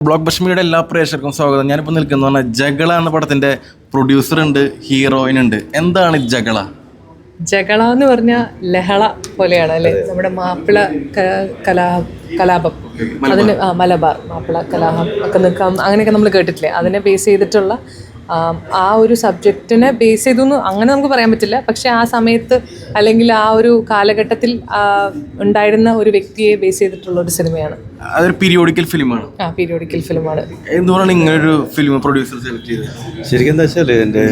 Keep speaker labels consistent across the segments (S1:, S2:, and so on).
S1: Block ബഷ്മിയുടെ എല്ലാ പ്രേക്ഷകർക്കും സ്വാഗതം. ഞാനിപ്പോൾ നിൽക്കുന്ന പറഞ്ഞാൽ ജഗള എന്ന പടത്തിന്റെ പ്രൊഡ്യൂസർ ഉണ്ട്, ഹീറോയിൻ ഉണ്ട്. എന്താണ് ജഗള?
S2: ജഗള എന്ന് പറഞ്ഞാൽ ലഹള പോലെയാണ് അല്ലേ? നമ്മുടെ മാപ്പിള കലാപം, അതിന് മലബാർ മാപ്പിള കലാപം ഒക്കെ നിൽക്കാം, അങ്ങനെയൊക്കെ നമ്മൾ കേട്ടിട്ടില്ലേ? അതിനെ ബേസ് ചെയ്തിട്ടുള്ള ആ ഒരു സബ്ജക്റ്റിനെ ബേസ് ചെയ്തു അങ്ങനെ നമുക്ക് പറയാൻ പറ്റില്ല. പക്ഷെ ആ സമയത്ത് അല്ലെങ്കിൽ ആ ഒരു കാലഘട്ടത്തിൽ ഉണ്ടായിരുന്ന ഒരു വ്യക്തിയെ ബേസ് ചെയ്തിട്ടുള്ള ഒരു സിനിമയാണ്.
S1: അതൊരു പീരിയോഡിക്കൽ ഫിലിമാണ്.
S2: പീരിയോഡിക്കൽ ഫിലിമാണ്.
S1: എന്തുകൊണ്ടാണ് ഇങ്ങനൊരു ഫിലിം പ്രൊഡ്യൂസർ സെലക്ട് ചെയ്തത്?
S3: ശരിക്കും എന്താ വെച്ചാൽ എൻ്റെ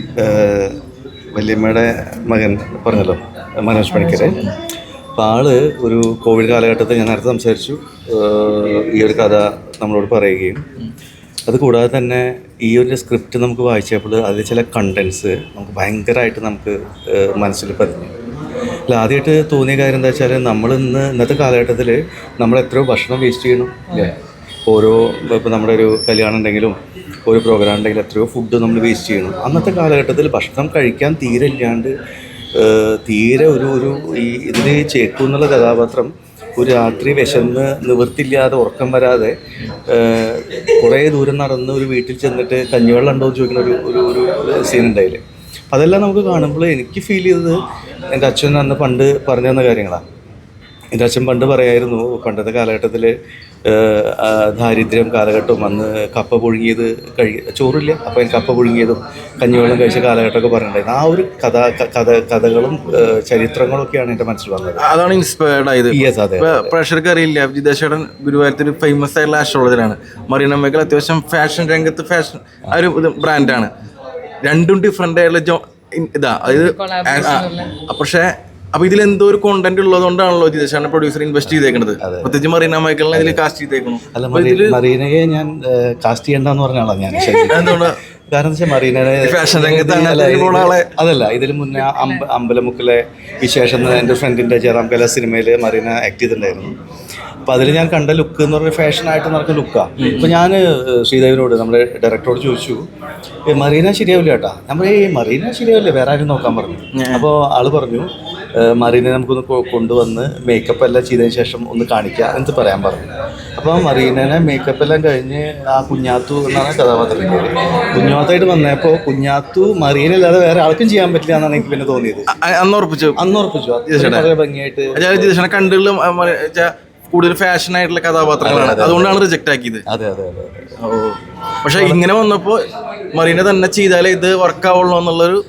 S3: വല്യമ്മയുടെ മകൻ പറഞ്ഞല്ലോ, മനോജ് പണിക്കർ. അപ്പോൾ ആള് ഒരു കോവിഡ് കാലഘട്ടത്തിൽ ഞാൻ നേരത്തെ സംസാരിച്ചു, ഈ ഒരു കഥ നമ്മളോട് പറയുകയും അതുകൂടാതെ തന്നെ ഈ ഒരു സ്ക്രിപ്റ്റ് നമുക്ക് വായിച്ചപ്പോൾ അതിൽ ചില കണ്ടൻസ് നമുക്ക് ഭയങ്കരമായിട്ട് നമുക്ക് മനസ്സിൽ പതിഞ്ഞു. അല്ല, ആദ്യമായിട്ട് തോന്നിയ കാര്യം എന്താ വെച്ചാൽ ഇന്നത്തെ കാലഘട്ടത്തിൽ നമ്മൾ എത്രയോ ഭക്ഷണം വേസ്റ്റ് ചെയ്യണം അല്ലേ? ഓരോ ഇപ്പോൾ നമ്മുടെ ഒരു കല്യാണം ഉണ്ടെങ്കിലും ഒരു പ്രോഗ്രാം ഉണ്ടെങ്കിലും എത്രയോ ഫുഡ് നമ്മൾ വേസ്റ്റ് ചെയ്യണം. അന്നത്തെ കാലഘട്ടത്തിൽ ഭക്ഷണം കഴിക്കാൻ തീരെ ഇല്ലാണ്ട് തീരെ ഒരു ഈ ഇതിൽ ചേക്കു എന്നുള്ള കഥാപാത്രം ഒരു രാത്രി വിശന്ന് നിവൃത്തില്ലാതെ ഉറക്കം വരാതെ കുറേ ദൂരം നടന്ന് ഒരു വീട്ടിൽ ചെന്നിട്ട് കഞ്ഞിവെള്ളം ഉണ്ടോ എന്ന് ചോദിക്കുന്ന ഒരു സീൻ ഉണ്ടായില്ലേ. അതെല്ലാം നമുക്ക് കാണുമ്പോൾ എനിക്ക് ഫീൽ ചെയ്തത് എൻ്റെ അച്ഛൻ അന്ന് പണ്ട് പറഞ്ഞു തന്ന കാര്യങ്ങളാണ്. എൻ്റെ അച്ഛൻ പണ്ട് പറയായിരുന്നു, പണ്ടത്തെ കാലഘട്ടത്തിൽ ദാരിദ്ര്യം കാലഘട്ടവും അന്ന് കപ്പ പുഴുങ്ങിയത് ചോറില്ല, അപ്പോൾ എനിക്ക് കപ്പ പുഴുങ്ങിയതും കഞ്ഞിവെള്ളം കഴിച്ച കാലഘട്ടമൊക്കെ പറഞ്ഞിട്ടുണ്ടായിരുന്നു. ആ ഒരു കഥകളും ചരിത്രങ്ങളും ഒക്കെയാണ് എൻ്റെ മനസ്സിൽ വന്നത്.
S1: അതാണ് ഇൻസ്പയർഡ് ആയത്. പ്രേക്ഷകർക്ക് അറിയില്ല, വിദേശേടൻ ഗുരുവായൂരത്തിൽ ഫേമസ് ആയിട്ടുള്ള ആസ്ട്രോളജറാണ്. മറീന മേഖല അത്യാവശ്യം ഫാഷൻ രംഗത്ത് ഫാഷൻ ആ ഒരു ബ്രാൻഡാണ്. രണ്ടും ഡിഫറെൻ്റ് ആയിട്ടുള്ള ഇതാ, അതായത് പക്ഷേ അപ്പൊ ഇതിൽ എന്തോ ഒരു കോണ്ടന്റ് ഉള്ളതുകൊണ്ടാണല്ലോ ജിതേഷാണ് പ്രൊഡ്യൂസർ ഇൻവെസ്റ്റ് ചെയ്തേക്കുന്നത്. പ്രത്യേകിച്ച് മറീന മൈക്കിളിനെ ഇതിൽ കാസ്റ്റ് ചെയ്തേക്കുന്നു.
S3: മറീനയെ ഞാൻ കാസ്റ്റ് ചെയ്യണ്ടെന്ന് പറഞ്ഞ ആളാണ് ഞാൻ. എന്തുകൊണ്ട്? കാരണം വെച്ചാൽ മറീനയെ
S1: ഫാഷൻ രംഗത്ത്
S3: അതല്ല, ഇതിൽ മുന്നേ അമ്പലമുക്കിലെ വിശേഷം എൻ്റെ ഫ്രണ്ടിൻ്റെ ജയറാം കല സിനിമയിൽ മറീന ആക്ട് ചെയ്തിട്ടുണ്ടായിരുന്നു. അപ്പോൾ അതിൽ ഞാൻ കണ്ട ലുക്ക് എന്ന് പറഞ്ഞാൽ ഫാഷനായിട്ട് നടക്കുന്ന ലുക്കാണ്. ഇപ്പോൾ ഞാൻ ശ്രീദേവിനോട്, നമ്മുടെ ഡയറക്ടറോട് ചോദിച്ചു, മറീന ശരിയാവില്ല ചേട്ടാ. നമ്മൾ ഈ മറീന ശരിയാവില്ല, വേറെ ആരും നോക്കാൻ പറഞ്ഞു. അപ്പോൾ ആൾ പറഞ്ഞു, മറീനെ നമുക്കൊന്ന് കൊണ്ടുവന്ന് മേക്കപ്പ് എല്ലാം ചെയ്തതിന് ശേഷം ഒന്ന് കാണിക്കുക എന്ന് പറയാൻ പറഞ്ഞു. അപ്പോൾ മറീനനെ മേക്കപ്പ് എല്ലാം കഴിഞ്ഞ് ആ കുഞ്ഞാത്തു എന്നാണ് കഥാപാത്രത്തിൻ്റെ പേര്, കുഞ്ഞാത്തായിട്ട് വന്നപ്പോൾ കുഞ്ഞാത്തു മറീനല്ലാതെ വേറെ ആൾക്കും ചെയ്യാൻ പറ്റില്ല എന്നാണ് എനിക്ക് പിന്നെ തോന്നിയത്. അന്ന് ഉറപ്പിച്ചു വളരെ ഭംഗിയായിട്ട്
S1: കണ്ടുള്ള കൂടുതൽ ഫാഷൻ ആയിട്ടുള്ള കഥാപാത്രങ്ങളാണ്, അതുകൊണ്ടാണ് റിജക്ട് ആക്കിയത്.
S3: അതെ.
S1: പക്ഷെ ഇങ്ങനെ വന്നപ്പോ മറീന തന്നെ ചെയ്താലേ ഇത് വർക്ക് ആവുള്ളൂ എന്നുള്ളൊരു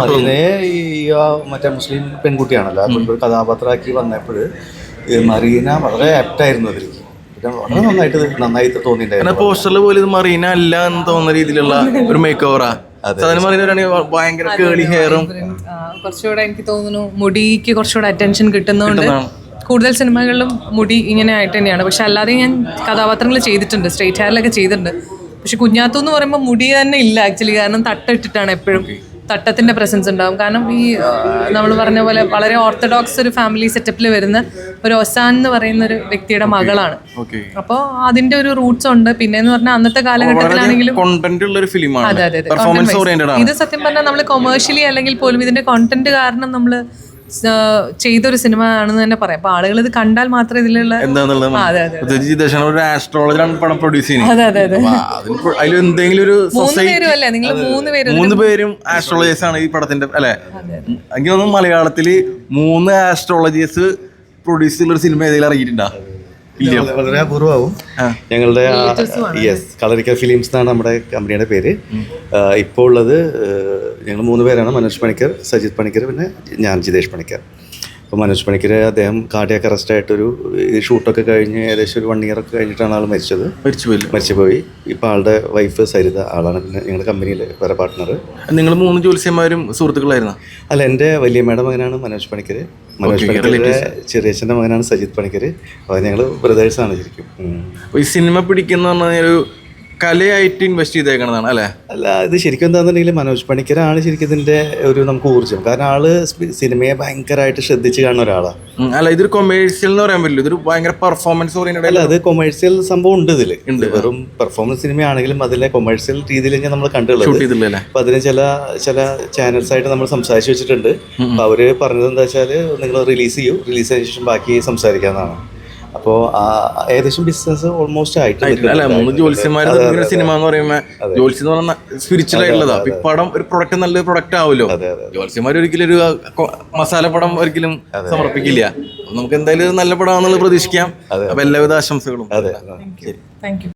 S3: മറ്റേ മുസ്ലിം പെൺകുട്ടിയാണല്ലോ, ഒരു കഥാപാത്രമാക്കി വന്നപ്പോൾ മറീന വളരെ ആപ്റ്റായിരുന്നു അതിൽ. വളരെ നന്നായിട്ട് തോന്നിയിട്ടുണ്ടായിരുന്നു.
S1: പോസ്റ്ററിൽ പോലും ഇത് മറീന അല്ല എന്ന് തോന്നുന്ന രീതിയിലുള്ള ഒരു മേക്ക് ഓവറാ. ഭയങ്കര കേളി ഹെയറും
S2: കുറച്ചുകൂടെ എനിക്ക് തോന്നുന്നു മുടിക്ക് കുറച്ചുകൂടെ അറ്റൻഷൻ കിട്ടുന്നതുകൊണ്ട് കൂടുതൽ സിനിമകളിലും മുടി ഇങ്ങനെ ആയിട്ട് തന്നെയാണ്. പക്ഷെ അല്ലാതെ ഞാൻ കഥാപാത്രങ്ങൾ ചെയ്തിട്ടുണ്ട്, സ്ട്രെയിറ്റ് ഹെയറിലൊക്കെ ചെയ്തിട്ടുണ്ട്. പക്ഷെ കുഞ്ഞാത്തു എന്ന് പറയുമ്പോൾ മുടി തന്നെ ഇല്ല ആക്ച്വലി. കാരണം തട്ടിട്ടിട്ടാണ് എപ്പോഴും, തട്ടത്തിൻ്റെ പ്രസൻസ് ഉണ്ടാകും. കാരണം ഈ നമ്മൾ പറഞ്ഞ പോലെ വളരെ ഓർത്തഡോക്സ് ഒരു ഫാമിലി സെറ്റപ്പിൽ വരുന്ന ഒരു ഒസാൻ എന്ന് പറയുന്ന ഒരു വ്യക്തിയുടെ മകളാണ്. അപ്പോൾ അതിന്റെ ഒരു റൂട്ട്സ് ഉണ്ട്. പിന്നെ എന്ന് പറഞ്ഞാൽ അന്നത്തെ കാലഘട്ടത്തിലാണെങ്കിലും അതെ. ഇത് സത്യം പറഞ്ഞാൽ നമ്മൾ കൊമേഴ്ഷ്യലി അല്ലെങ്കിൽ പോലും ഇതിന്റെ കോണ്ടന്റ് കാരണം നമ്മൾ ചെയ്തൊരു സിനിമ ആണെന്ന് തന്നെ പറയാം. അപ്പൊ ആളുകൾ ഇത് കണ്ടാൽ മാത്രമേ ഇതിലുള്ള
S1: മൂന്ന് പേരും ആസ്ട്രോളജേഴ്സ് ആണ് ഈ പടത്തിന്റെ അല്ലെ. എനിക്ക് തോന്നുന്നു മലയാളത്തില് 3 ആസ്ട്രോളജേഴ്സ് പ്രൊഡ്യൂസ് ചെയ്യുന്ന ഒരു സിനിമ ഏതെങ്കിലും ഇറങ്ങിയിട്ടുണ്ടോ?
S3: വളരെ അപൂർവമാവും. ഞങ്ങളുടെ കളറിക്കൽ ഫിലിംസ് എന്നാണ് നമ്മുടെ കമ്പനിയുടെ പേര്. ഇപ്പോൾ ഉള്ളത് ഞങ്ങൾ 3 പേരാണ്, മനോജ് പണിക്കർ, സജിത് പണിക്കർ, പിന്നെ ഞാൻ ജിതേഷ് പണിക്കർ. അപ്പോൾ മനോജ് പണിക്കർ അദ്ദേഹം കാർഡിയാക് അറസ്റ്റായിട്ടൊരു ഷൂട്ടൊക്കെ കഴിഞ്ഞ് ഏകദേശം ഒരു 1 year ഒക്കെ കഴിഞ്ഞിട്ടാണ് ആൾ മരിച്ചുപോയി. ഇപ്പോൾ ആളുടെ വൈഫ് സരിത, ആളാണ് പിന്നെ ഞങ്ങളുടെ കമ്പനിയിൽ വേറെ പാർട്ട്ണർ.
S1: നിങ്ങൾ 3 ജ്യോത്സ്യന്മാരും സുഹൃത്തുക്കളായിരുന്നു?
S3: അല്ല, എൻ്റെ വല്യമ്മയുടെ മകനാണ് മനോജ് പണിക്കർ, മനോജ് പണിക്കറിന്റെ ചെറിയച്ഛൻ്റെ മകനാണ് സജിത് പണിക്കർ. അപ്പോൾ ഞങ്ങൾ ബ്രദേഴ്സാണ് ശരിക്കും.
S1: ഈ സിനിമ പിടിക്കുന്ന ഒരു കലയായിട്ട് ഇൻവെസ്റ്റ് ചെയ്തേക്കണതാണ് അല്ലേ?
S3: അല്ല, ഇത് ശരിക്കും എന്താണെന്നുണ്ടെങ്കിൽ മനോജ് പണിക്കരാണ് ശരിക്കും ഇതിൻ്റെ ഒരു നമുക്ക് ഊർജ്ജം. കാരണം ആള് സിനിമയെ ഭയങ്കരമായിട്ട് ശ്രദ്ധിച്ച് കാണുന്ന ഒരാളാണ്.
S1: അല്ല, ഇതൊരു കൊമേഴ്സ്യൽ എന്ന് പറയാൻ പറ്റില്ല, ഇതൊരു ഭയങ്കര പെർഫോമൻസ് ഓറിയന്റഡ്.
S3: അല്ല, അത് കൊമേഴ്സ്യൽ സംഭവം ഉണ്ട് ഇതിൽ. വെറും പെർഫോമൻസ് സിനിമയാണെങ്കിലും അതിലെ കൊമേഴ്സ്യൽ രീതിയിൽ നമ്മൾ കണ്ടുള്ളത്. അപ്പൊ അതിന് ചില ചാനൽസ് ആയിട്ട് നമ്മൾ സംസാരിച്ച് വെച്ചിട്ടുണ്ട്. അപ്പൊ അവര് പറഞ്ഞത് എന്താ വെച്ചാൽ നിങ്ങൾ റിലീസ് ചെയ്യൂ, റിലീസ് ചെയ്ത ശേഷം ബാക്കി സംസാരിക്കാന്നാണ്. അപ്പോൾ ഏകദേശം ബിസിനസ് ഓൾമോസ്റ്റ് ആയിട്ട്
S1: അല്ല 3 ജ്യോത്സ്യന്മാർ സിനിമ എന്ന് പറയുമ്പോൾ ജ്യോത്സ്യം എന്ന് പറഞ്ഞാൽ സ്പിരിച്വൽ ആയിട്ടുള്ളതാ. ഈ പടം ഒരു പ്രൊഡക്റ്റ് നല്ലൊരു പ്രൊഡക്റ്റ് ആവുമല്ലോ. ജ്യോത്സ്യന്മാർ ഒരിക്കലും ഒരു മസാല പടം ഒരിക്കലും സമർപ്പിക്കില്ല. നമുക്ക് എന്തായാലും നല്ല പടമാണെന്നുള്ളത് പ്രതീക്ഷിക്കാം. അപ്പൊ എല്ലാവിധ ആശംസകളും.
S3: അതെ.
S2: Thank U.